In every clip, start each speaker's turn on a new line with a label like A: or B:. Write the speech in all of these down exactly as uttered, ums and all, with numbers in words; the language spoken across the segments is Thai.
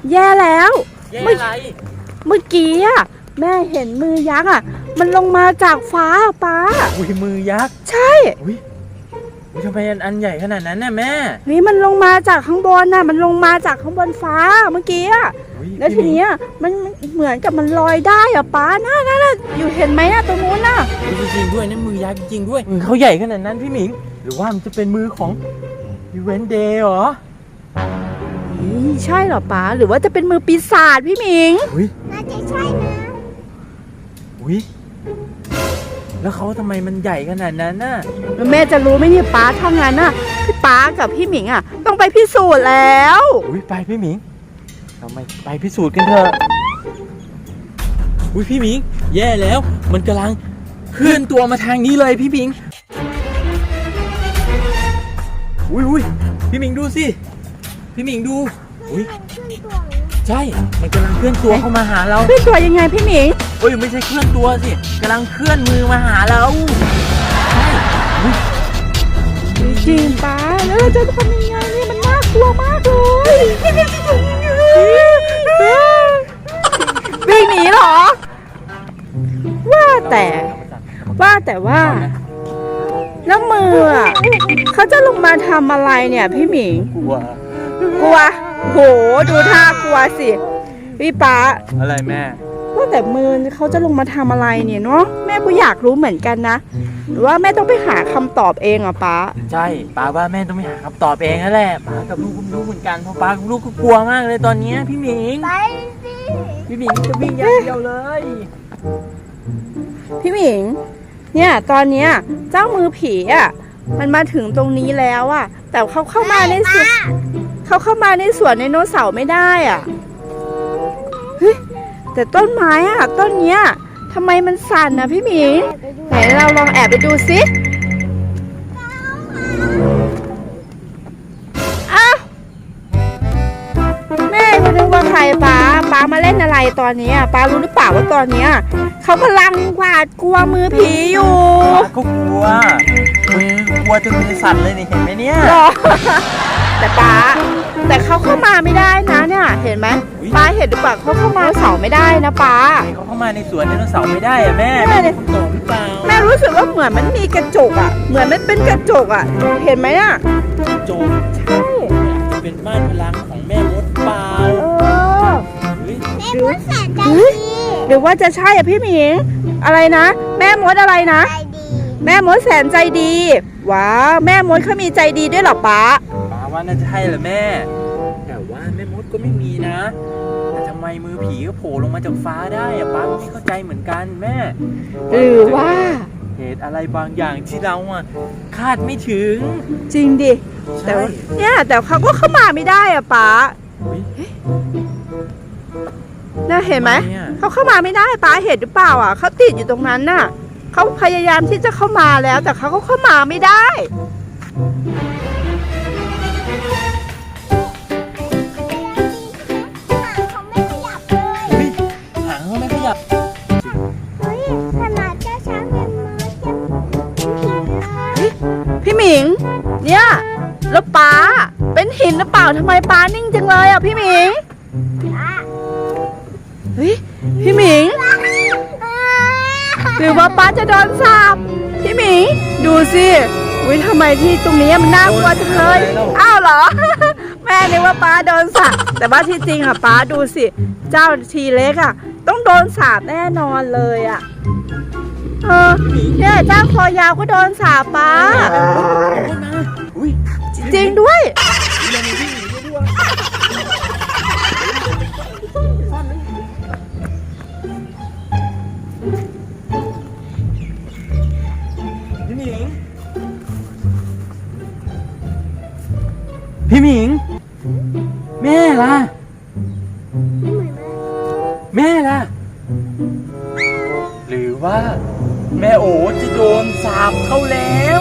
A: แย่แล้ว
B: แย่อะไร
A: เมื่อกี้อะแม่เห็นมือยักษ์อะมันลงมาจากฟ้าป้า
B: อุ้ยมือยักษ์
A: ใช่
B: อุ้ยทำไมอันใหญ่ขนาดนั้นน่ะแม่
A: นี่มันลงมาจากข้างบนน่ะมันลงมาจากข้างบนฟ้าเมื่อกี้อะแล้วทีนี้มันเหมือนกับมันลอยได้อะป้าน่าน่าอยู่เห็นไหมอะตรงนู้นน่ะ
B: จริงๆด้วยนะมือยักษ์จริงด้วยมือเขาใหญ่ขนาดนั้นพี่หมิงหรือว่ามันจะเป็นมือของอีเวนต์เดย์เหรอ
A: ใช่เหรอป้าหรือว่าจะเป็นมือปีศาจพี่หมิง
C: น่าจะใช่นะ
B: อุ้ยแล้วเขาทำไมมันใหญ่ขนาดนั้นน่ะ
A: แม่จะรู้ไหมเนี่ยป้าทำงานน่ะพี่ป้ากับพี่หมิงอ่ะต้องไปพิสูจน์แล้ว
B: อุ้ยไปพี่หมิงเราไปไปพิสูจน์กันเถอะอุ้ยพี่หมิงแย่แล้วมันกำลังเคลื่อนตัวมาทางนี้เลยพี่หมิงอุ้ยอุ้ยพี่หมิงดูสิพี่หมิงดูอุ้ยใช่มันกำลังเคลื่อนตัวเข้ามาหาเรา
A: เคลื่อนตัวยังไงพี่หมิง
B: โอ้ยไม่ใช่เคลื่อนตัวสิกำลังเคลื่อนมือมาหาเราใช่
A: จริงป้าแล้วเราจะทำยังไงนี่มันน่ากลัวมากเลยวิ่งหนีเหรอว่าแต่ว่าแต่ว่าแล้วมืออ่ะเขาจะลงมาทำอะไรเนี่ยพี่หมิง
B: กลัว
A: กลัวโหดูท่ากลัวสิพี่ป๊า
B: อะไรแม่
A: ว่าแต่มือเขาจะลงมาทำอะไรเนี่ยเนาะแม่ก็อยากรู้เหมือนกันนะหรือว่าแม่ต้องไปหาคำตอบเองอ่ะป๊า
B: ใช่ป๊าว่าแม่ต้องไปหาคำตอบเองนั่นแหละป๊ากับลูกก็รู้เหมือนกันเพราะป๊ากับลูกก็กลัวมากเลยตอนนี้พี่หมิง
C: ไปสิ
B: พี่หมิงจะวิ่งอย่างเดียวเลย
A: พี่หมิงเนี่ยตอนเนี้ยเจ้ามือผีอ่ะมันมาถึงตรงนี้แล้วอ่ะแต่เขาเข้ามาในสวนเขาเข้ามาในสวนไดโนเสาร์ไม่ได้อ่ะเฮ้ยแต่ต้นไม้อ่ะต้นเนี้ยทำไมมันสั่นนะพี่หมิงไหนเราลองแอบไปดูสิอ้าวแม่ก็นึกว่าใครป้าป้ามาเล่นอะไรตอนนี้ป้ารู้หรือเปล่าว่าตอนเนี้ยเขากำลังหวาดกลัวมือผีอยู่
B: เขากลัวมือกลัวจนมือสั่นเลยนี่เห็นไหมเนี่ย
A: แต่ป้าแต่เขาเข้ามาไม่ได้นะเนี่ยเห็นไหมป้าเห็นหรือเปล่าเขาเข้ามาเสาไม่ได้นะป้า
B: เขาเข้ามาในสวนไดโนเสาร์ไม่ได้อะแม่แม่ในคำตอบหรือเปล่า
A: แม่รู้สึกว่าเหมือนมันมีกระจกอ่ะเหมือนมันเป็นกระจกอ่ะเห็นไหมอ่ะ
B: กระจก
A: ใช่
B: จะเป็นบ้านพลังของแม่มดเปล่า
A: เออ
C: แม่มดแสนใจดี
A: หรือว่าจะใช่อ่ะพี่หมิงอะไรนะแม่มดอะไรนะแม่มดแสนใจดีว้าวแม่มดเขามีใจดีด้วยหรอป้า
B: ป้าว่าน่าจะใช่แหละแม่แต่ว่าแม่มดก็ไม่มีนะแต่ทำไมมือผีก็โผล่ลงมาจากฟ้าได้อะป้าไม่เข้าใจเหมือนกันแม่
A: หรือว่า
B: เหตุอะไรบางอย่างที่เราอ่ะคาดไม่ถึง
A: จริงดิแต่เนี่ยแต่เขาก็เข้ามาไม่ได้อะป้าน่าเห็นไหมเขาเข้ามาไม่ได้ป้าเห็นหรือเปล่าอ่ะเขาติดอยู่ตรงนั้นน่ะเขาพยายามที่จะเข้ามาแล้วแต่เขาก็เข้ามาไม่ได้
B: หางเขาไม่ขยับ
C: เฮ้ยขนาดเจ้าช้างยังมา
A: พี่หมิงเนี่ยแล้วป้าเป็นหินหรือเปล่าทำไมป้านิ่งจังเลยอ่ะพี่หมิงเฮ้ยพี่หมิงหรือว่าป้าจะโดนสาปพี่หมิงดูสิวิทำไมที่ตรงนี้มันน่ากลัวจังเลยอ้าวเหรอแม่นึกว่าป้าโดนสาปแต่ว่าที่จริงอ่ะป้าดูสิเจ้าทีเล็กอ่ะต้องโดนสาปแน่นอนเลยอ่ะเออเนี่ยเจ้าคอยาวก็โดนสาปป้าจริงด้วย
B: พี่หมิงแม่ล่ะแม่ล่ะหรือว่าแม่โอ๋จะโดนสาปเข้าแล้ว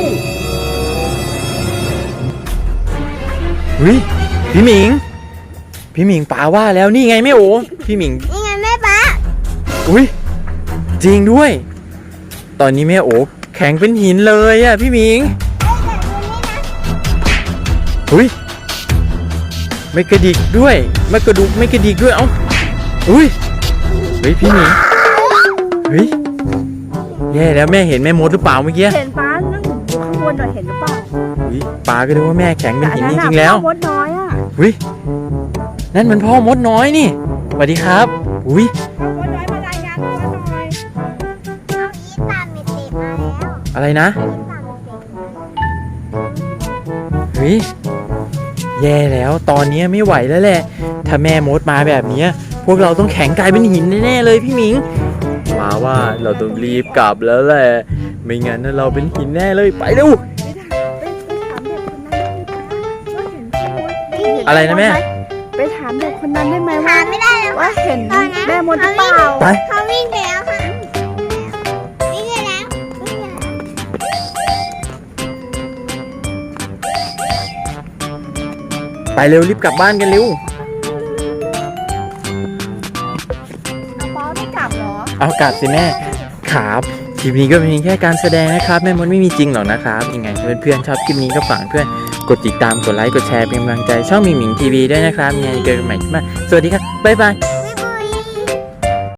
B: เฮ้ยพี่หมิงพี่หมิงป๋าว่าแล้วนี่ไงแม่โอ๋พี่หมิง
C: นี่ไงแม่ป๋า
B: อุ้ยจริงด้วยตอนนี้แม่โอ๋แข็งเป็นหินเลยอ่ะพี่หมิงเฮ้ยไม่กระดิกด้วยไม่กระดุกไม่กระดิกด้วยเอ้าอุ้ยเฮ้ยพี่หมีเฮ้ยแย่แล้วแม่เห็นแม่มดหรือเปล่าเมื่อกี้
A: เห็นป้านั่งอยู่ข้างบนหน่อยเห็นหรือเปล่า
B: อุ้ยป้าก็ดูว่าแม่แข็งเป็นหินจ
A: ต่อั
B: ริงๆแล้ว
A: น่ะพ่อมดน้อยอ่ะ
B: อุ้ยนั่นมันพ่อมดน้อยนี่สวัสดีครับอุ้ย
A: พ่อมดน้อยมารายงานตัวหน่อย
C: เอาอีตามมิติมาแล้ว
B: อะไรนะ
C: อีตามมิติ
B: เฮ้ยแย่แล้วตอนนี้ไม่ไหวแล้วแหละถ้าแม่มดมาแบบนี้พวกเราต้องแข็งกลายเป็นหินแน่ๆเลยพี่หมิงมาว่าเราต้องรีบกลับแล้วแหละไม่งั้นเราเป็นหินแน่เลยไปเร็ว
A: ไปถามไปไปถามเด็กคนนั้นได้ไหมว่าเห็นแม่มดอะไรนะแม่ไปถามเด็กคนนั้นได้ไหมว่า
C: หาไม่ได้แล้ว
A: ว่าเห็นแม่มดหรือเปล่า
B: ไป
C: เขาวิ่งไปแล้วค่ะวิ่งไปแล้ววิ่งไปแล้ว
B: ไปเร็วรีบกลับบ้านกันเร็ว
A: ป้าไม่กลับเหรอ
B: เอากลับสิแม่ครับคลิปนี้ก็เป็นเพียงแค่การแสดงนะครับแม่มดไม่มีจริงหรอกนะครับยังไงเพื่อนๆชอบคลิปนี้ก็ฝากเพื่อนกดติดตามกดไลค์กดแชร์เป็นกำลังใจช่องหมิงหมิงทีวีด้วยนะครับยังไงเจอกันใหม่คลิปหน้าสวัสดีครับบ๊ายบาย